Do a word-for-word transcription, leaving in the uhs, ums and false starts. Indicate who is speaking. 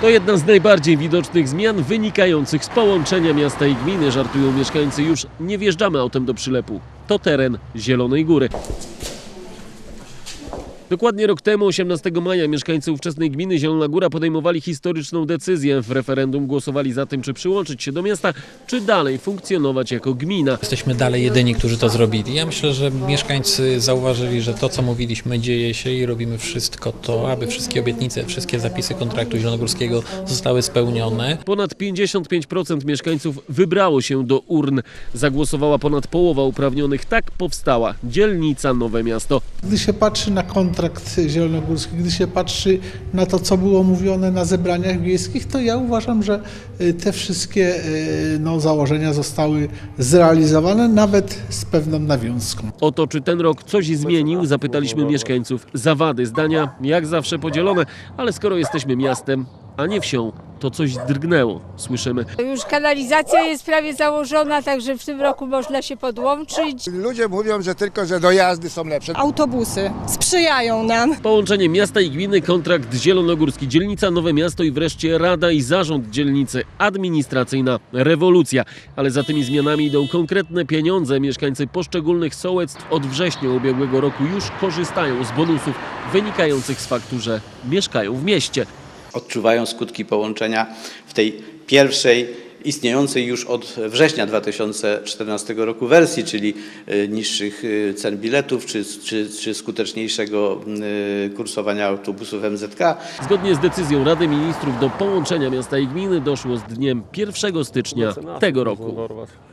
Speaker 1: To jedna z najbardziej widocznych zmian wynikających z połączenia miasta i gminy, żartują mieszkańcy. Już nie wjeżdżamy autem do przylepu. To teren Zielonej Góry. Dokładnie rok temu, osiemnastego maja, mieszkańcy ówczesnej gminy Zielona Góra podejmowali historyczną decyzję. W referendum głosowali za tym, czy przyłączyć się do miasta, czy dalej funkcjonować jako gmina.
Speaker 2: Jesteśmy dalej jedyni, którzy to zrobili. Ja myślę, że mieszkańcy zauważyli, że to, co mówiliśmy, dzieje się i robimy wszystko to, aby wszystkie obietnice, wszystkie zapisy kontraktu zielonogórskiego zostały spełnione.
Speaker 1: Ponad pięćdziesiąt pięć procent mieszkańców wybrało się do urn. Zagłosowała ponad połowa uprawnionych. Tak powstała dzielnica Nowe Miasto.
Speaker 3: Gdy się patrzy na kontrakt zielonogórski, gdy się patrzy na to, co było mówione na zebraniach wiejskich, to ja uważam, że te wszystkie no, założenia zostały zrealizowane, nawet z pewną nawiązką.
Speaker 1: O to, czy ten rok coś zmienił, zapytaliśmy mieszkańców. Zawady, zdania jak zawsze podzielone, ale skoro jesteśmy miastem, a nie wsią, to coś drgnęło, słyszymy.
Speaker 4: Już kanalizacja jest prawie założona, także w tym roku można się podłączyć.
Speaker 5: Ludzie mówią, że tylko, że dojazdy są lepsze.
Speaker 6: Autobusy sprzyjają nam.
Speaker 1: Połączenie miasta i gminy, kontrakt zielonogórski, dzielnica Nowe Miasto i wreszcie Rada i Zarząd Dzielnicy. Administracyjna rewolucja. Ale za tymi zmianami idą konkretne pieniądze. Mieszkańcy poszczególnych sołectw od września ubiegłego roku już korzystają z bonusów wynikających z faktu, że mieszkają w mieście.
Speaker 7: Odczuwają skutki połączenia w tej pierwszej, istniejącej już od września dwa tysiące czternastego roku wersji, czyli niższych cen biletów czy, czy, czy skuteczniejszego kursowania autobusów M Z K.
Speaker 1: Zgodnie z decyzją Rady Ministrów do połączenia miasta i gminy doszło z dniem pierwszego stycznia tego roku.